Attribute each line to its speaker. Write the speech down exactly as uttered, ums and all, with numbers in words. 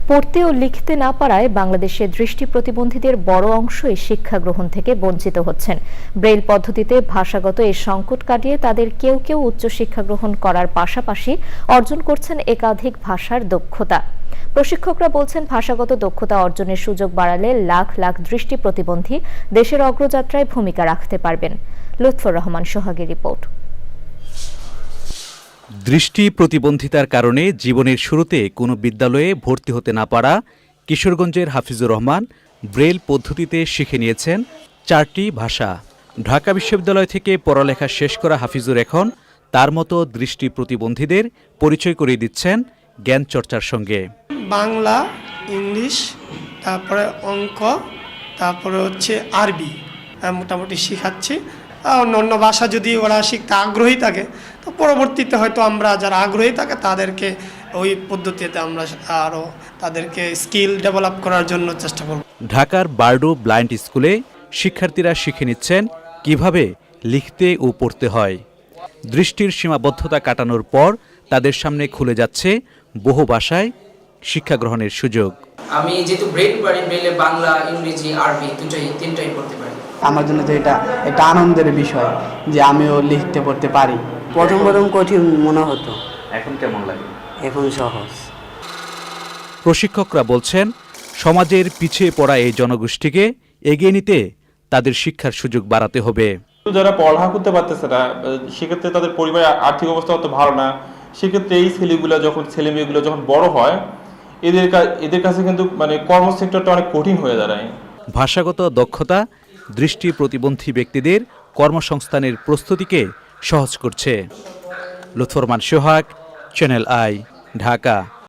Speaker 1: পড়তে ও লিখতে না পারায় বাংলাদেশের দৃষ্টি প্রতিবন্ধীদের বড় অংশই শিক্ষা গ্রহণ থেকে বঞ্চিত হচ্ছেন। ব্রেইল পদ্ধতিতে ভাষাগত এই সংকট কাটিয়ে তাদের কেউ কেউ উচ্চশিক্ষা গ্রহণ করার পাশাপাশি অর্জন করছেন একাধিক ভাষার দক্ষতা। প্রশিক্ষকরা বলছেন, ভাষাগত দক্ষতা অর্জনের সুযোগ বাড়ালে লাখ লাখ দৃষ্টি প্রতিবন্ধী দেশের অগ্রযাত্রায় ভূমিকা রাখতে পারবেন। লুৎফর রহমান সোহাগের রিপোর্ট।
Speaker 2: দৃষ্টি প্রতিবন্ধিতার কারণে জীবনের শুরুতে কোনো বিদ্যালয়ে ভর্তি হতে না পারা কিশোরগঞ্জের হাফিজুর রহমান ব্রেইল পদ্ধতিতে শিখে নিয়েছেন চারটি ভাষা। ঢাকা বিশ্ববিদ্যালয় থেকে পড়ালেখা শেষ করা হাফিজুর এখন তার মতো দৃষ্টি প্রতিবন্ধীদের পরিচয় করিয়ে দিচ্ছেন জ্ঞান চর্চার সঙ্গে।
Speaker 3: বাংলা, ইংলিশ, তারপরে অঙ্ক, তারপরে হচ্ছে আরবি মোটামুটি শেখাচ্ছি। অন্য অন্য ভাষা যদি ওরা শিখতে আগ্রহী থাকে তো পরবর্তীতে হয়তো আমরা যারা আগ্রহী থাকে তাদেরকে ওই পদ্ধতিতে আমরা আরও তাদেরকে স্কিল ডেভেলপ করার জন্য চেষ্টা করব।
Speaker 2: ঢাকার বারডু ব্লাইন্ড স্কুলে শিক্ষার্থীরা শিখে নিচ্ছেন কিভাবে লিখতে ও পড়তে হয়। দৃষ্টির সীমাবদ্ধতা কাটানোর পর তাদের সামনে খুলে যাচ্ছে বহু ভাষায় শিক্ষা গ্রহণের সুযোগ।
Speaker 4: আমি যেহেতু ব্রেইল পারি, ব্রেইলে বাংলা, ইংরেজি, আরবি দুটাই তিনটাই পড়তে পারি।
Speaker 5: আমার জন্য তো এটা একটা আনন্দের বিষয় যে আমিও লিখতে পড়তে পারি।
Speaker 6: প্রথম প্রথম কঠিন মনে হতো,
Speaker 2: এখন কেমন লাগে?
Speaker 6: এখন সহজ।
Speaker 2: প্রশিক্ষকরা বলছেন, সমাজের পিছিয়ে পড়া এই জনগোষ্ঠীকে এগিয়ে নিতে তাদের শিক্ষার সুযোগ বাড়াতে হবে।
Speaker 7: যারা পড়ালেখা করতে পারতেছে না, সেক্ষেত্রে তাদের পরিবারের আর্থিক অবস্থা অত ভালো না, সেক্ষেত্রে এই ছেলেগুলো যখন ছেলে মেয়েগুলো যখন বড় হয় এদের এদের কাছে কিন্তু মানে কর্মসেক্টরটা অনেক কঠিন হয়ে দাঁড়ায়।
Speaker 2: ভাষাগত দক্ষতা দৃষ্টি প্রতিবন্ধী ব্যক্তিদের কর্মসংস্থানের প্রস্তুতিকে সহজ করছে। Lutfor Rahman Sohag, channel I, Dhaka.